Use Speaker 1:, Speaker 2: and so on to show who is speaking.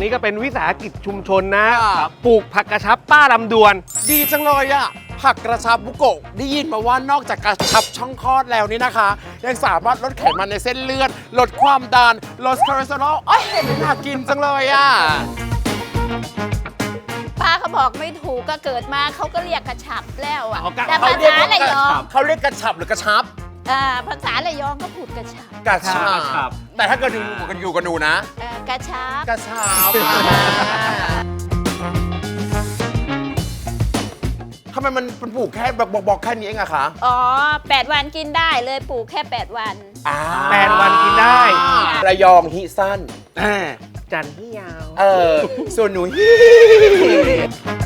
Speaker 1: นี้ก็เป็นวิสาหกิจชุมชนนะปลูกผักกระชับป้าลำดวน
Speaker 2: ดีจังเลยอะผักกระชับบุโกะได้ยินมาว่านอกจากกระชับช่องคลอดแล้วนี่นะคะ ยังสามารถลดไขมันในเส้นเลือดลดความดันลดคอเลสเตอรอลเห็นน่ากินจังเลยอะ
Speaker 3: ป้าเขาบอกไม่ถูกก็เกิดมาเขาก็เรียกกระชับแล้วอ่ะ
Speaker 1: อ๋อ
Speaker 3: แต่ภาษาระยอง
Speaker 2: เขาเรียกกระชับหรือกระชับ
Speaker 3: ภาษาระยองก็พูดกระชับ
Speaker 2: กระชับแต่ถ้าเกิดอยู่กับหนูนะ
Speaker 3: กระชับ
Speaker 2: กระชับทำไมมันปลูกแค่บอกแค่นี้เองอะคะ
Speaker 3: อ๋อ8 วันกินได้เลยปลูกแค่8 วัน
Speaker 1: 8 วันกินได้
Speaker 2: ระยองฮิสั้น
Speaker 1: จันทร์ที่ยาว
Speaker 2: ส่วนหนูฮิ